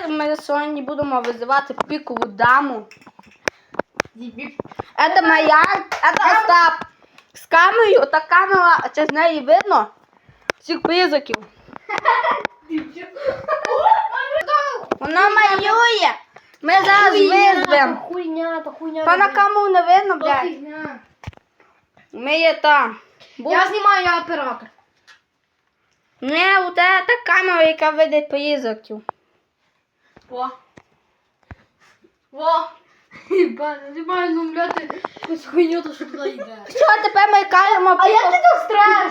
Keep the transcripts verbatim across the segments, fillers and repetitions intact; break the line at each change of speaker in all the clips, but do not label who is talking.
давайте ми сьогодні будемо визивати пікову даму. Это моя, это Остап. З камерою, та камера, чи з неї видно? Всіх призраків. Вона малює. Ми зараз визвемо.
Хуйня, то хуйня.
Та на камеру не видно, блядь. Ми є там.
Я знімаю, я оператор.
Не, у тебе та камера, яка видить призраків.
Во. Во. Ебать, знімаю, ну, блядь, якусь хуйню, то що туди йде.
Що, тепер ми кажемо
А як ти тут страш?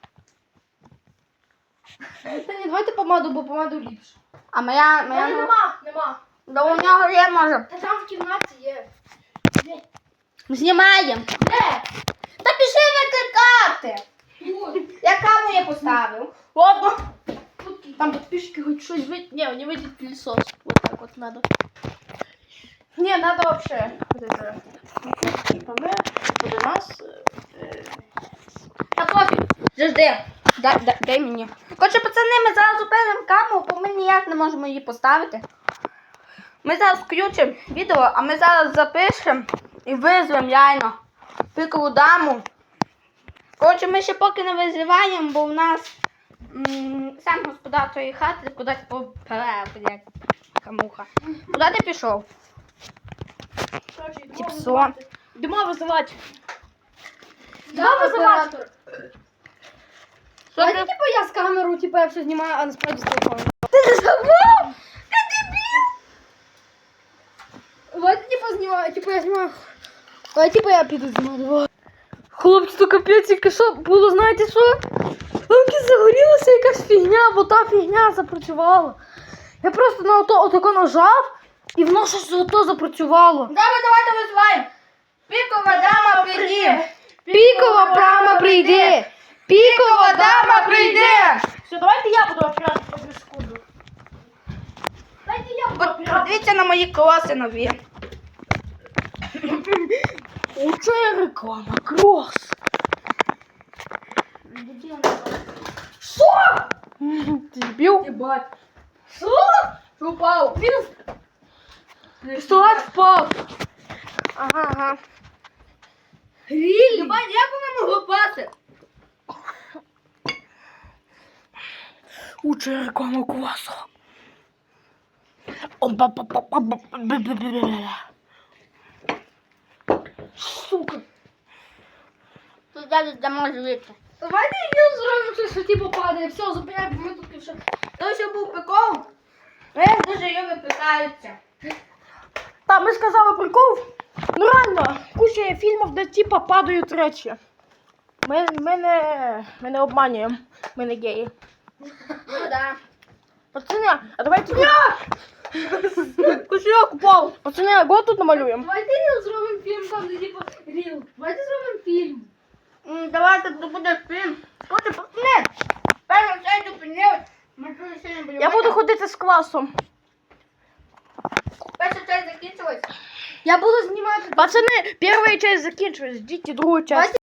Та ні, давайте помаду, бо помаду ліпше.
А моя,
Та
моя...
ні, нема, нема.
Да у нього є, може.
Та там в кімнаті є. Де?
Знімаємо.
Де?
Та пішли викликати. Я камеру я поставив.
Ладно. Там подписчики хоть что-нибудь выйдет. Не, не выйдет пылесос. Вот так вот надо. Не, надо вообще. Вот это. Типа мы, вот у нас.
Та пофіг. Жди. Дай, дай, дай мені. Короче, пацани, ми зараз зупинимо камеру, бо ми ніяк не можемо її поставити. Ми зараз включимо відео, а ми зараз запишемо і визвемо реально пікову даму. Коротше, ми ще поки не визиваємо, бо в нас м сам господар тої хати кудись поперев, як камуха. Куди ти пішов? Тіпсон.
Дима вызывать.
Да,
вызывать.
Що
А
ти?
это типа я с камеру, типа я все снимаю, а насправді з телефону.
Ти не забув? Ти дебіл!
Давайте типа снимаю, типа я снимаю. Давай типа я піду знімаю. Хлопці, то капець, тільки що було, знаєте що? Ламки загорілася якась фігня, бо та фігня запрацювала. Я просто на ото отако нажав, і воно щось ото запрацювало.
Давай, давайте визиваємо. Пікова дама прийде.
Пікова прямо прийде.
Пікова дама прийде.
Все, давайте я буду оператор по секунду. Дайте я буду оператор.
Подивіться на мої кроси нові.
Оце реклама, крос. Що? Ти збив?
Ебать.
Що? Що упав? Пістолет впав. Ага, ага.
Рілі? Ебать, як вона могла пати?
Оце реклама класу. Сука.
Тут далі дамо жити.
Давайте я зробимо щось, що типу падає. Все, зупиняй, бо ми тут ще.
Той, що був прикол, вони дуже її випитаються.
Та, ми сказали прикол. Ну реально, куча є фільмів, де типа падають речі. Ми, ми, не, ми не обманюємо. Ми не геї.
Ну да.
Пацани, а давайте... Кошельок упав. Пацани, а го тут намалюємо?
Давайте ріл зробимо фільм, там де типу ріл. Давайте зробимо фільм.
М, Давайте тут буде фільм. Хоче пацани. Перший цей зупинив. Ми тут сьогодні будемо.
Я буду ходити з класом.
Перша часть закінчилась.
Я буду знімати... Пацани, перша часть закінчилась, ждіть другу часть.